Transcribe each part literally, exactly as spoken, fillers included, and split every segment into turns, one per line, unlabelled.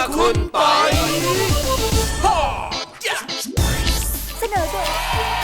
คุณปอย
เสนอโดย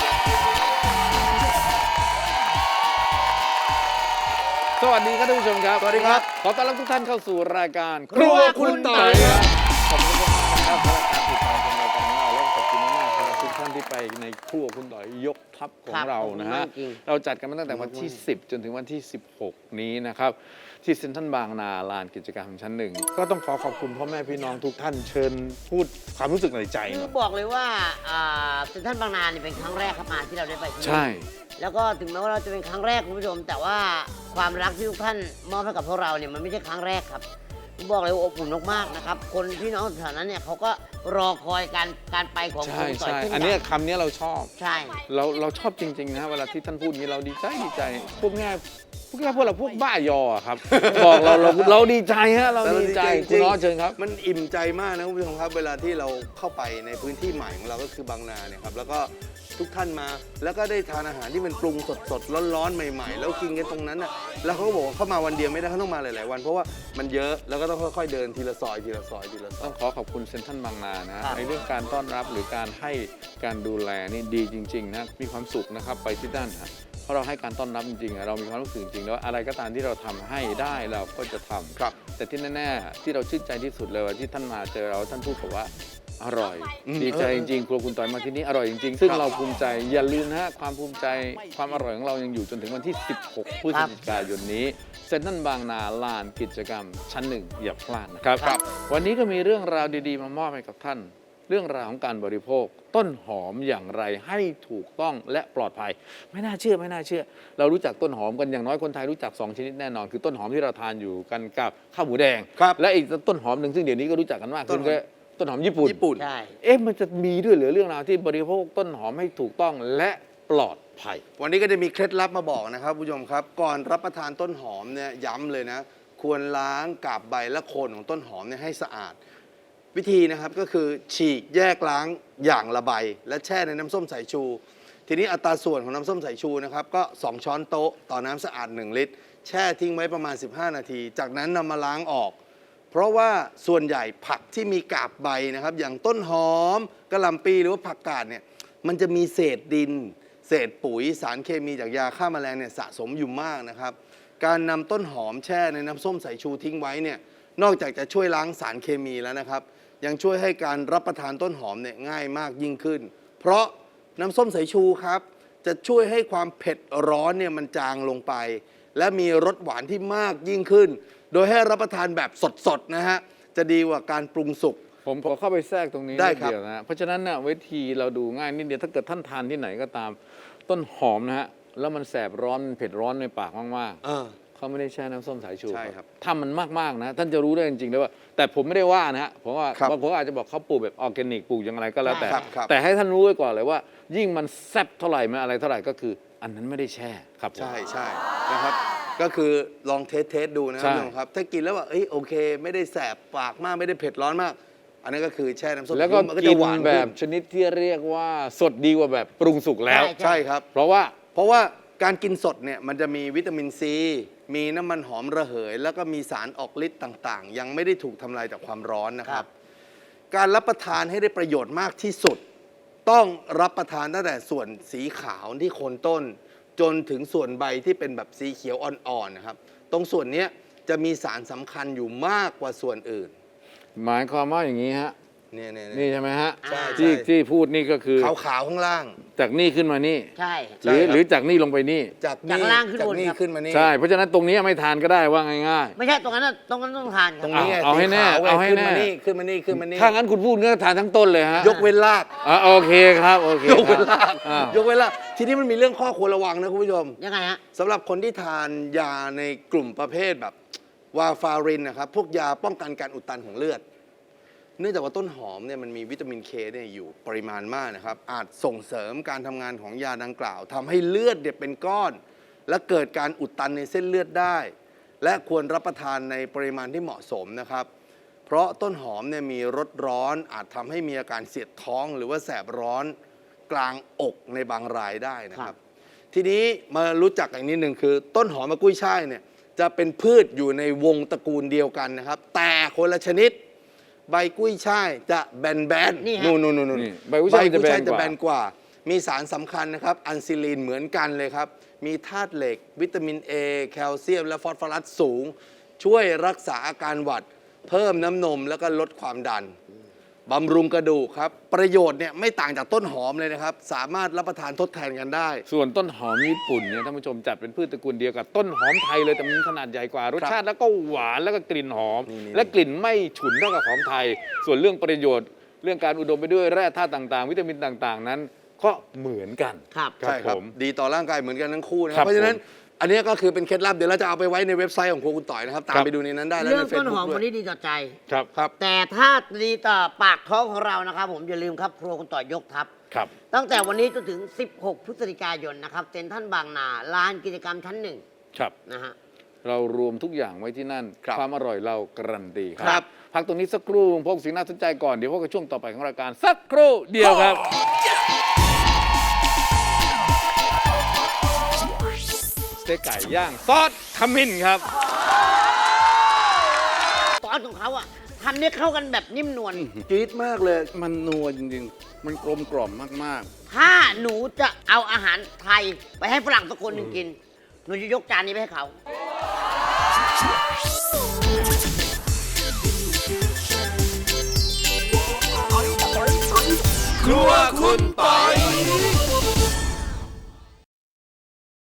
สวัสดีครับท่านผู้ชมครับ
สวัสดีครับ
ขอต้อนรับทุกท่านเข้าสู่รายการ
ครัวคุณต่อยครับ
ขอบคุณมากนะครับสำหรับการติดตามชมรายการของเราและขอบคุณมากๆสำหรับทุกท่านที่ไปในครัวคุณต่อยยกทัพของเรานะฮะเราจัดกันมาตั้งแต่วันที่สิบจนถึงวันที่สิบหกนี้นะครับที่เซ็นทรัลบางนาลานกิจกรรมชั้นหนึ่งก็ต้องขอขอบคุณพ่อแม่พี่น้องทุกท่านเชิญพูดความรู้สึกในใจห
คื
น่
อ
อย
บอกเลยว่าเซ็นทรัลบางนาเนี่ยเป็นครั้งแรกครับมาที่เราได้ไปที่นี่
ใช่
แล้วก็ถึงแม้ว่าเราจะเป็นครั้งแรกคุณผู้ชม แต่ว่าความรักที่ทุกท่านมอบให้กับพวกเราเนี่ยมันไม่ใช่ครั้งแรกครับผมบอกเลยว่าอบอุ่นมากๆนะครับคนพี่น้องแถวนั้นเนี่ยเขาก็รอคอยการการไปของ
ใช่
คุณต่อย
ใช่
เช่น
อัน
กั
เนี้ย
น
คำนี้เราชอบ
ใช่
เราเราชอบจริงๆนะเวลาที่ท่านพูดอย่างนี้เราดีใจดีใจพวกแง่พวกแง่พวกเราพวกบ้ายออะครับ บอกเราเราเราดีใจฮะเราดีใจคุณน้อเชิญครับ
มันอิ่มใจมากนะคุณผู้ชมครับเวลาที่เราเข้าไปในพื้นที่ใหม่ของเราก็คือบางนาเนี่ยครับแล้วก็ทุกท่านมาแล้วก็ได้ทานอาหารที่มันปรุงสดสดๆร้อนๆใหม่ๆ แล้วกินกันตรงนั้นน่ะแล้วเขาก็บอกว่าเข้ามาวันเดียวไม่ได้เขาต้องมาหลายๆวันเพราะว่ามันเยอะแล้วก็ต้องค่อยๆเดินทีละซอยทีละซอยทีละซอ
ต้
ย
องขอขอบคุณเซ็นทรัลบางนานะฮะในเรื่องการต้อนรับหรือการให้การดูแลนี่ดีจริงๆนะมีความสุขนะครับไปที่ด้านฮะเพราะเราให้การต้อนรับจริงๆอะเรามีความรู้สึกจริงๆแล้วอะไรก็ตามที่เราทำให้ได้เราก็จะทำ
ครับ
แต่ที่แน่ๆที่เราชื่นใจที่สุดเลยว่าที่ท่านมาเจอเราท่านพูดบอกว่าอร่อย
อืม
ดีใจ
เออ
จริงๆครัวคุณต่อยมาที่นี่อร่อยจริงๆซึ่ง
ครับ
เราภูมิใจอย่าลืมนะฮะความภูมิใจความอร่อยของเรายังอยู่จนถึงวันที่สิบหกพฤศจิกายนนี้เซ็นทรัลบางนาลานกิจกรรมชั้นหนึ่งอย่าพลาดนะครับ
ครับ
วันนี้ก็มีเรื่องราวดีๆมามอบให้กับท่าน เรื่องราวของการบริโภค ต้นหอมอย่างไรให้ถูกต้องและปลอดภัย ไม่น่าเชื่อไม่น่าเชื่อ เรารู้จักต้นหอมกันอย่างน้อยคนไทยรู้จักสองชนิดแน่นอน คือต้นหอมที่เราทานอยู่กันกับข้าวหมูแดง
ครับ
และอีกต้นหอมหนึ่งซึ่งเดี๋ยวนี้ก็รู้จักกันมากขึ้น
ต้นหอม
ก็ต้นหอมญี่ปุ่น
ญี่ปุ่น
ใช่
เอ๊ะมันจะมีด้วยเหรือเรื่องราวที่บริโภคต้นหอมให้ถูกต้องและปลอดภัย
วันนี้ก็จะมีเคล็ดลับมาบอกนะครับผู้ชมครับ ก่อนรับประทานต้นหอมเนี่ยย้ำเลยนะ ควรล้างกาบใบและโคนของต้นหอมเนี่ยให้สะอาด วิธีนะครับก็คือฉีกแยกล้างอย่างละใบ และแช่ในน้ำส้มสายชู ทีนี้อัตราส่วนของน้ำส้มสายชูนะครับก็สองช้อนโต๊ะต่อน้ำสะอาดหนึ่งลิตร แช่ทิ้งไว้ประมาณสิบห้านาที จากนั้นนำมาล้างออก เพราะว่าส่วนใหญ่ผักที่มีกาบใบนะครับอย่างต้นหอมกะหล่ำปีหรือว่าผักกาดเนี่ยมันจะมีเศษดิน เศษปุ๋ยสารเคมีจากยาฆ่าแมลงเนี่ยสะสมอยู่มากนะครับการนำต้นหอมแช่ในน้ำส้มสายชูทิ้งไว้เนี่ยนอกจากจะช่วยล้างสารเคมีแล้วนะครับยังช่วยให้การรับประทานต้นหอมเนี่ยง่ายมากยิ่งขึ้น เพราะน้ำส้มสายชูครับจะช่วยให้ความเผ็ดร้อนเนี่ยมันจางลงไป และมีรสหวานที่มากยิ่งขึ้น โดยให้รับประทานแบบสดๆนะฮะจะดีกว่าการปรุงสุก
ผมขอเข้าไปแทรกตรงนี้
ได้
นิด
ครับ
เดียวนะฮะเพราะฉะนั้นน่ะวิธีเราดูง่ายนิดเดียวถ้าเกิดท่านทานที่ไหนก็ตามต้นหอมนะฮะแล้วมันแสบร้อนมันเผ็ดร้อนในปากมากๆ
เออ
เขาไม่ได้แช่น้ำส้มสายชู
ใช่ครับ
ถ้ามันมากๆนะท่านจะรู้ได้จริงๆเลยว่า แต่ผมไม่ได้ว่านะฮะผมว่า
ครับ
บางคนอาจจะบอกเขาปลูกแบบออร์แกนิกปลูกอย่างไรก็แล้วแต่
ครับครับ
แต่ให้ท่านรู้ไว้ก่อนเลยว่า ยิ่งมันแซ่บเท่าไหร่มันอะไรเท่าไหร่ก็คือ อันนั้นไม่ได้แช่ครับผม
ใช่ใช่นะครับก็คือลองเทสเทสดูนะค
ใช่
รับผู้ชมครับถ้ากินแล้วว่าเอ้ยโอเค ไม่ได้แสบปากมากไม่ได้เผ็ดร้อนมาก อันนั้นก็คือแช่น้ำส้ม
แล้วก็
มันก็
กิ
จะ
น
หวาน
แบ
ขึ้
บ
น
ชนิดที่เรียกว่าสดดีกว่าแบบปรุงสุกแล้ว
ใช่
ใช่ครับ
เพราะว่า
เพราะว่าการกินสดเนี่ยมันจะมีวิตามินซีมีน้ำมันหอมระเหย แล้วก็มีสารออกฤทธิ์ต่างๆ ยังไม่ได้ถูกทำลายจากความร้อนนะครับ การรับประทานให้ได้ประโยชน์มากที่สุด ต้องรับประทานตั้งแต่ส่วนสีขาวที่โคนต้น จนถึงส่วนใบที่เป็นแบบสีเขียวอ่อนๆนะครับ ตรงส่วนเนี้ยจะมีสารสำคัญอยู่มากกว่าส่วนอื่น
หมายความว่าอย่างนี้ฮะ
เนี่ยเนี่ย
นี่ใช่ไหมฮะ
ใช่
ที่
ใช่
ที่พูดนี่ก็คือ
ขาวๆข้างล่าง
จากนี่ขึ้นมานี่
ใช่
หรือ
ใช่ครับ
หรือจากนี่ลงไปนี่
จาก
จาก
นี่
ล่างขึ้น
จาก
บน
นี่
ครับ
ขึ้นมานี่
ใช่เพราะฉะนั้นตรงนี้ไม่ทานก็ได้ว่าง่ายๆ
ไม่ใช่ตรงนั้นน่ะตรงนั้นต้องทานค
ต
รั
ร
บ
งนี้ไง
เอาให้แน่
สีขวไง
เอาให้
ขึ้น
แน่
มานี่ขึ้นมานี่ขึ้นมานี่
ถ้างั้นคุณพูดก็ทานทั้งต้นเลยฮะ
ยกเว้นราก
อ่ะโอเคครับโอเค
ยกเว้น
ครับ
ราก
อ้าวย
กเว้นรากทีนี้มันมีเรื่องข้อควรระวังนะคุณผู้ชม
ยังไงฮะ
สำหรับคนที่ทานยาในกลุ่มประเภทแบบวาฟารินนะครับพวกยาป้องกันการอุดตันของเลือด เนื่องจากว่าต้นหอมเนี่ยมันมีวิตามินเคเนี่ยอยู่ปริมาณมากนะครับอาจส่งเสริมการทำงานของยาดังกล่าวทำให้เลือดเนี่ยเป็นก้อน และเกิดการอุดตันในเส้นเลือดได้ และควรรับประทานในปริมาณที่เหมาะสมนะครับ เพราะต้นหอมเนี่ยมีรสร้อนอาจทำให้มีอาการเสียดท้อง หรือว่าแสบร้อนกลางอกในบางรายได้นะครับ ทีนี้มารู้จักอีกนิดหนึ่งคือ ต้นหอมกับกุ้ยช่ายเนี่ยจะเป็นพืชอยู่ในวงตระกูลเดียวกันนะครับ แต่คนละชนิดใบกุ้ยช่ายจะแบนแบน
นี่ฮะ
นู่นนู่นนู่น
นี่ใบกุ้ยช่ายจะแบนกว่า
จะแบนกว่า มีสารสำคัญนะครับ อันซิลีนเหมือนกันเลยครับ มีธาตุเหล็ก วิตามิน A แคลเซียม และฟอสฟอรัสสูง ช่วยรักษาอาการหวัด เพิ่มน้ำนมแล้วก็ลดความดัน บำรุงกระดูกครับ ประโยชน์เนี่ยไม่ต่างจากต้นหอมเลยนะครับ สามารถรับประทานทดแทนกันได้
ส่วนต้นหอมญี่ปุ่นเนี่ยท่านผู้ชมจัดเป็นพืชตระกูลเดียวกับต้นหอมไทยเลยแต่มันขนาดใหญ่กว่ารสชาติแล้วก็หวานแล้วก็กลิ่นหอม
นี่ๆ
และกลิ่นไม่ฉุนเท่ากับของไทย ส่วนเรื่องประโยชน์ เรื่องการอุดมไปด้วยแร่ธาตุต่างๆ วิตามินต่างๆ นั้นก็เหมือนกัน
ครับ
ใช่ครับ
ผม
ดีต่อร่างกายเหมือนกันทั้งคู่นะค
ครั
รับบ เพราะฉะนั้น
ผม
อันนี้ก็คือเป็นเคล็ดลับเดี๋ยวเราจะเอาไปไว้ในเว็บไซต์ของครัวคุณต่อยนะครับ ตาม
ครับ
ไปดูในนั้นได้แล้ว
เรื่อ
ใน
ง
เฟซ
ต้นหอ
บุ๊
ม
ก
วัน
ด้วย
นี้ดีต่อใจ
ครับ
ครับ
แต่ถ้าดีต่อปากท้องของเรานะครับ ผมอย่าลืมครับครัวคุณต่อยยกทัพ
ครับ
ตั้งแต่วันนี้จนถึง สิบหก พฤศจิกายนนะครับเซ็นทรัลบางนาลานกิจกรรมชั้นหนึ่ง
ครับ
นะฮะ
เรารวมทุกอย่างไว้ที่นั่น
ครับ
ความอร่อยเราการันตีค
ครั
รับ พักตรงนี้สักครู่พวกสิ่งน่าสนใจก่อน เดี๋ยวพบกับช่วงต่อไปของรายการสักครู่เดียวครับ สเต็กไก่ย่างซอสขมิ้นครับ
ซอสของเขาอะทำเนี่ยเข้ากันแบบนิ่มนวล
จี๊ดมากเลย
มันนัวจริงๆ มันกลมกล่อมมาก
ถ้าหนูจะเอาอาหารไทยไปให้ฝรั่งสักคนหนึ่งกิน หนูจะยกจานนี้ไปให้เขา
ๆ